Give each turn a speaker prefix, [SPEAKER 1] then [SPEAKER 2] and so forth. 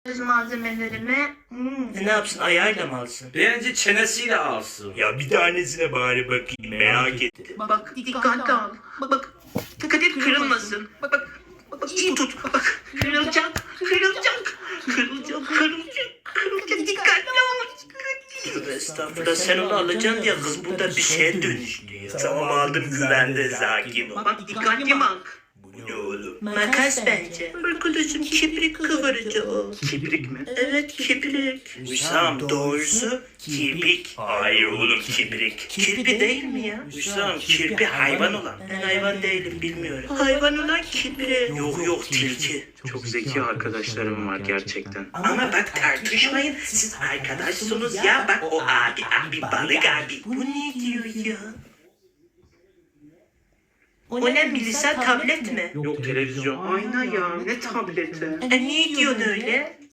[SPEAKER 1] malzemelerimi.
[SPEAKER 2] Ne yapsın, ayağıyla mı alsın?
[SPEAKER 3] Bence çenesiyle alsın.
[SPEAKER 2] Ya bir tanesine bari bakayım, merak ettim.
[SPEAKER 1] Bak dikkatli al. Bak dikkat et kırılmasın. Bak iyi tut. Bak kırılacak. Dikkatli ol.
[SPEAKER 2] Tövbe estağfurullah, sen onu alacaksın diye kız burada bir şeye dönüştü ya. Tamam aldım, güvende, sakin ol.
[SPEAKER 1] Bak dikkatli bak.
[SPEAKER 2] Bu ne oğlum? Makas bence. Arkadaşım kibrik kıvırıcı o.
[SPEAKER 3] Kibrik mi?
[SPEAKER 2] Evet, kibrik. Hüsam, doğrusu kibrik. Hayır oğlum, kibrik. Kirpi değil mi ya? Hüsam, kirpi hayvan olan. Ben hayvan değilim, bilmiyorum. Hayvan olan kibrik. Yok tilki.
[SPEAKER 3] Çok zeki arkadaşlarım var gerçekten.
[SPEAKER 2] Ama bak tartışmayın, siz arkadaşsınız ya. Bak o abi balık abi. Bu ne diyor ya? O ne Melisa, tablet mi?
[SPEAKER 3] Yok televizyon. Ayna ya, ne tableti.
[SPEAKER 2] Ne diyorsun öyle?